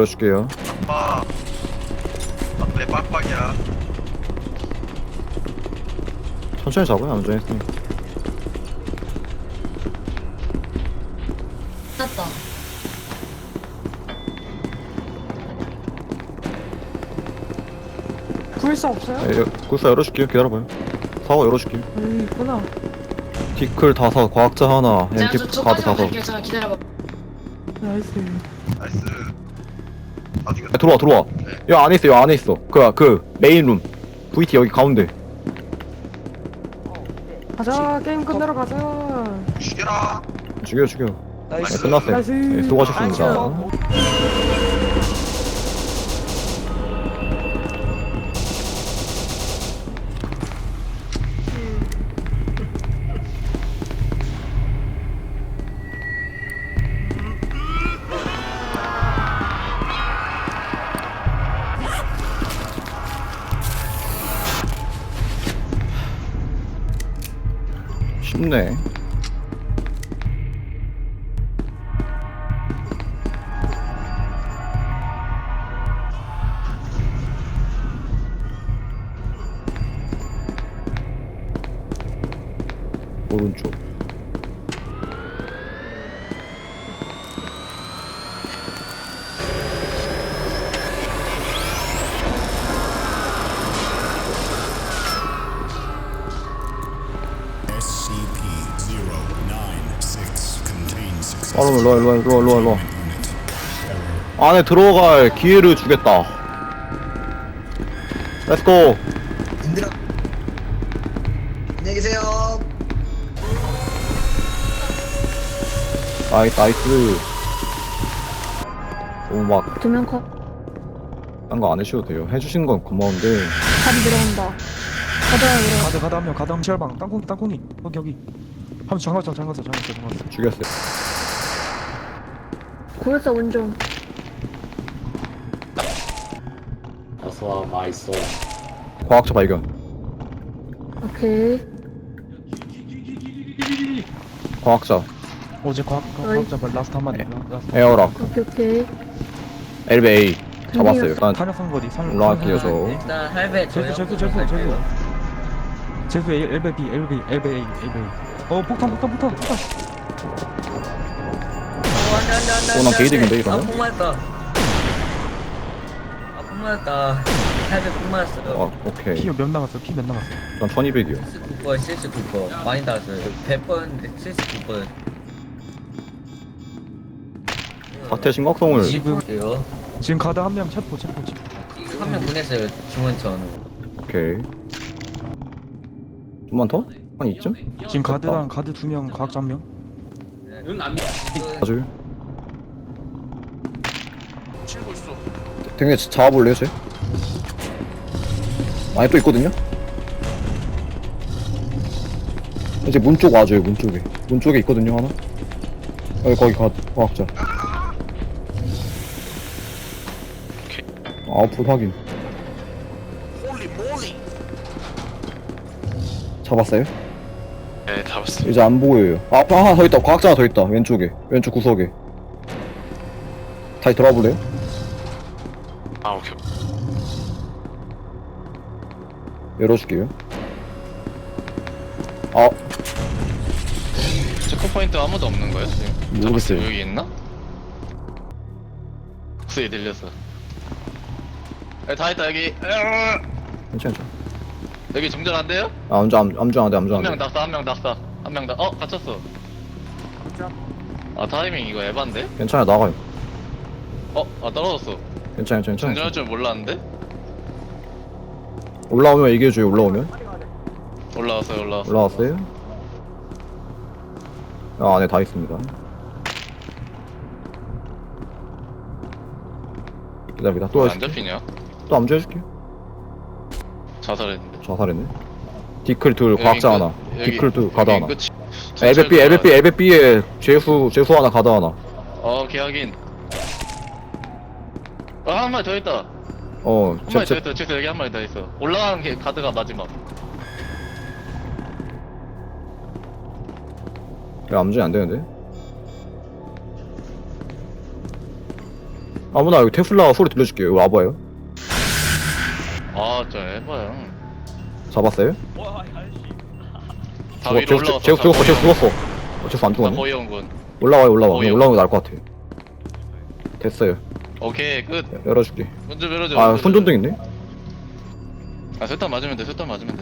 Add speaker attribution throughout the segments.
Speaker 1: 열어줄게요.
Speaker 2: 내 빡빡이야.
Speaker 1: 천천히 잡아요. 안전히 했으니까.
Speaker 3: 났다.
Speaker 4: 불사 없어요?
Speaker 1: 굴사 열어줄게요. 기다려봐요. 사고 열어줄게요.
Speaker 4: 여기 있구나.
Speaker 1: 디클 5, 과학자 하나,
Speaker 3: 제가
Speaker 1: 엠티 카드
Speaker 3: 저까지만
Speaker 1: 5.
Speaker 3: 갈게요. 잠깐 기다려봐.
Speaker 4: 나이스.
Speaker 2: 나이스. 어디가?
Speaker 1: 야, 들어와. 여 안에 있어. 여 안에 있어. 그 메인 룸. VT 여기 가운데.
Speaker 4: 가자, 게임 끝내러 가자.
Speaker 2: 죽여라.
Speaker 1: 죽여. 네, 끝났어요.
Speaker 4: 나이스.
Speaker 1: 네, 수고하셨습니다. 쉽네. 오른쪽. 일로와. 안에 들어갈 기회를 주겠다. 렛츠고.
Speaker 2: 인들아. 안녕히 계세요.
Speaker 1: 나이스. 너무 막,
Speaker 4: 두명 컷.
Speaker 1: 딴 거 안 해주셔도 돼요. 해주신 건 고마운데.
Speaker 4: 다리 내려온다. 가자,
Speaker 5: 가드 한명 가드 한명 시알방 땅콩이 여기 한번 잠갔어
Speaker 1: 죽였어요.
Speaker 4: 고였어, 운전.
Speaker 6: 어서와 맛있어.
Speaker 1: 과학자 발견.
Speaker 4: 오케이.
Speaker 1: 과학자.
Speaker 5: 어제 과학자 라스트 한 마리 라스트
Speaker 1: 에어락.
Speaker 4: 오케이.
Speaker 1: LBA. 잡았어요. 일단
Speaker 5: 탄약선 거리
Speaker 1: 올라갈게요, 저.
Speaker 6: 일단 할배
Speaker 5: 제수 LBA 폭탄
Speaker 1: 난 게이득인데, 이러면?
Speaker 6: 폭 맞았다. 폭 맞았다. 할배 폭 맞았어요.
Speaker 1: 오케이.
Speaker 5: 피 몇 남았어?
Speaker 1: 난 1200이요.
Speaker 6: 79%, 79%. 많이 나왔어요. 100%인데 79%.
Speaker 1: 사태 심각성을.
Speaker 6: 20%요.
Speaker 5: 지금 가드 한 명 체포
Speaker 6: 한명 보냈어요. 중원천으로.
Speaker 1: 오케이. 좀만 더? 한 이쯤?
Speaker 5: 지금 가드랑 가드 2명 과학자 1명
Speaker 1: 아주. 되게 잡아볼래요, 쟤? 아니, 또 있거든요? 이제 문 쪽 와줘요, 문 쪽에. 문 쪽에 있거든요, 하나? 거기 과학자. 아웃풋 확인. 잡았어요?
Speaker 2: 네, 잡았어.
Speaker 1: 이제 안 보여요. 앞에 하나 더 있다. 과학자 하나 더 있다. 왼쪽에. 왼쪽 구석에. 다시 돌아볼래요?
Speaker 2: 아, 오케이.
Speaker 1: 열어줄게요.
Speaker 2: 체크포인트 아무도 없는 거예요? 지금?
Speaker 1: 모르겠어요.
Speaker 2: 여기 있나? 목소리 들렸어. 다 있다 여기.
Speaker 1: 괜찮아.
Speaker 2: 여기 정전 안 돼요?
Speaker 1: 암주 안 돼.
Speaker 2: 한 명 낙사, 한 명 낙사, 한 명 다. 갇혔어. 아 타이밍 이거 에반데?
Speaker 1: 괜찮아, 나가요.
Speaker 2: 떨어졌어.
Speaker 1: 괜찮아.
Speaker 2: 정전할 줄 몰랐는데?
Speaker 1: 올라오면 얘기해줘요, 올라오면.
Speaker 2: 올라왔어요.
Speaker 1: 올라왔어요? 안에 다 있습니다. 기다립니다. 또
Speaker 2: 안 잡히냐?
Speaker 1: 또 암주 해줄게요.
Speaker 2: 자살했는데.
Speaker 1: 자살했네. 디클 둘, 과학자 하나. 디클 둘, 가드 하나.
Speaker 2: 끝이.
Speaker 1: LBB에 재수 하나, 가드 하나.
Speaker 2: 계약인. 한 마리 더 있다.
Speaker 1: 어,
Speaker 2: 한 마리 더 있다. 지금 여기 한 마리 더 있어. 올라가는 게 가드가 마지막.
Speaker 1: 암준이 안 되는데? 아무나 여기 테슬라 소리 들려줄게요. 이거 와봐요.
Speaker 2: 아, 저 에바야.
Speaker 1: 잡았어요?
Speaker 2: 다 위로 올라가서.
Speaker 1: 제가 죽었어. 어째서 안
Speaker 2: 다
Speaker 1: 죽었네?
Speaker 2: 보이온군.
Speaker 1: 올라와요.
Speaker 2: 보여.
Speaker 1: 올라오는 게 나을 것 같아. 됐어요.
Speaker 2: 오케이, 끝.
Speaker 1: 열어줄게.
Speaker 2: 먼저 밀어줘.
Speaker 1: 아,
Speaker 2: 먼저
Speaker 1: 손전등 있네?
Speaker 2: 아, 술탄 맞으면 돼, 술탄 맞으면 돼.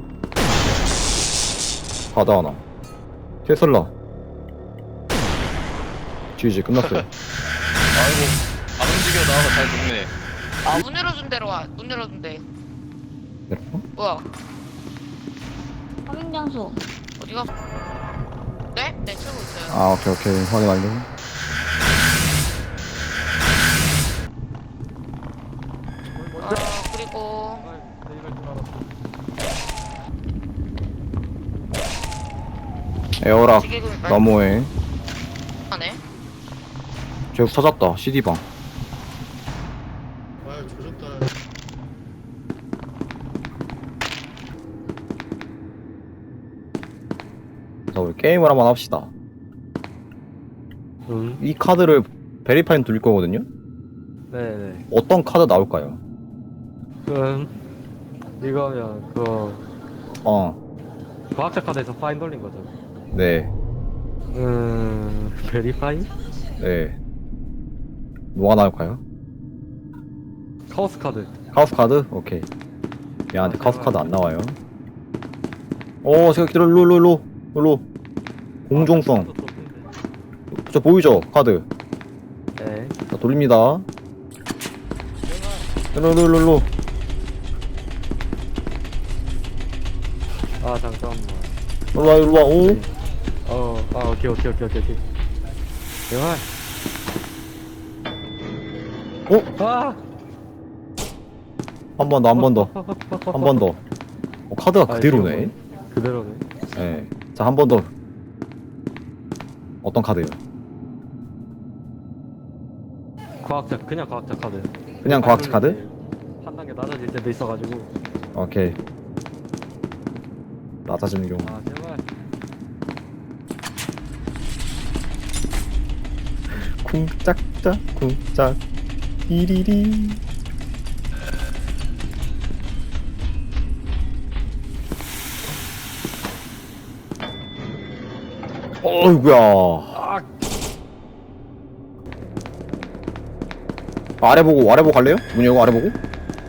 Speaker 1: 바다 하나. 테슬라. GG 끝났어요.
Speaker 2: 아이고, 안 움직여 나와서 잘 죽네.
Speaker 3: 아, 문 열어준 대로 와. 문 열어준 대. 뭐야?
Speaker 7: 확인 장소.
Speaker 3: 어디가? 네? 네, 치고 있어요.
Speaker 1: 아, 오케이. 확인 완료.
Speaker 3: 그리고
Speaker 1: 에어락
Speaker 3: 지금
Speaker 1: 너무해.
Speaker 3: 하네.
Speaker 1: 제국 찾았다. CD방. 자, 우리 게임을 한번 합시다. 이 카드를 베리파인 돌릴 거거든요?
Speaker 8: 네네.
Speaker 1: 어떤 카드 나올까요?
Speaker 8: 이거면 그
Speaker 1: 어,
Speaker 8: 과학자 카드에서 파인 돌린 거죠.
Speaker 1: 네,
Speaker 8: 베리파이?
Speaker 1: 네. 뭐가 나올까요?
Speaker 8: 카오스 카드.
Speaker 1: 카우스 카드? 오케이. 얘한테
Speaker 8: 아,
Speaker 1: 카우스
Speaker 8: 제발.
Speaker 1: 카드 안 나와요. 제가 일로. 공정성. 저 보이죠? 카드.
Speaker 8: 네.
Speaker 1: 자, 돌립니다. 일로.
Speaker 8: 아 잠깐만.
Speaker 1: 일로와. 오.
Speaker 8: 오케이. 대박. 아!
Speaker 1: 한 번 더. 카드가 그대로네.
Speaker 8: 그대로네.
Speaker 1: 네. 자, 한 번 더. 어떤 카드요?
Speaker 8: 그냥 과학자 카드.
Speaker 1: 그냥 과학자 카드?
Speaker 8: 한 단계 낮아질 때도 있어가지고.
Speaker 1: 오케이. 낮아지는 경우.
Speaker 8: 아 제발.
Speaker 1: 쿵짝 띠리리. 어이구야. 아래 보고 갈래요? 문 열고 아래 보고?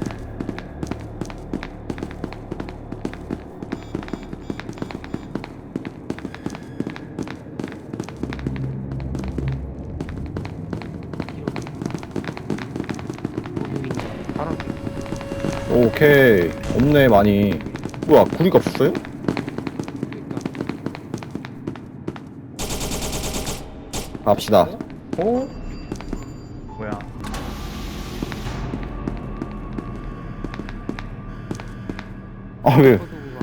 Speaker 1: 오케이. 없네 많이. 뭐야, 구리가 없었어요? 갑시다.
Speaker 5: 뭐야?
Speaker 1: 아, 왜?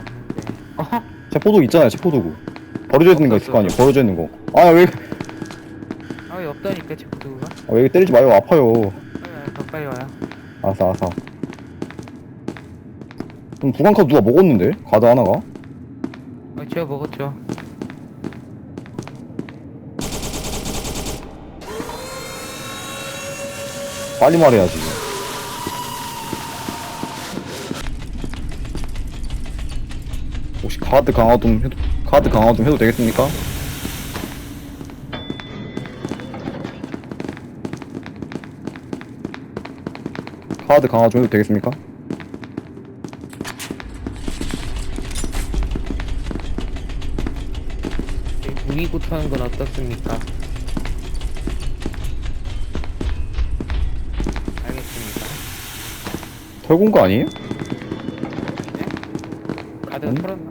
Speaker 1: 체포도구 있잖아요, 체포도구. 버려져 있는 거 있을 거 아니에요, 버려져 있는 거. 아, 왜
Speaker 9: 없다니까 제프도가.
Speaker 1: 왜 때리지 마요, 아파요.
Speaker 9: 더 빨리 와요.
Speaker 1: 알았어. 그럼 구강카드 누가 먹었는데? 가드 하나가?
Speaker 9: 제가 먹었죠.
Speaker 1: 빨리 말해야지. 혹시 카드 강화동 해도 되겠습니까? 카드 강화 좀 해도 되겠습니까?
Speaker 9: 무기고 타는 건 어떻습니까? 알겠습니다.
Speaker 1: 털군 거 아니에요?
Speaker 9: 다들 털었나?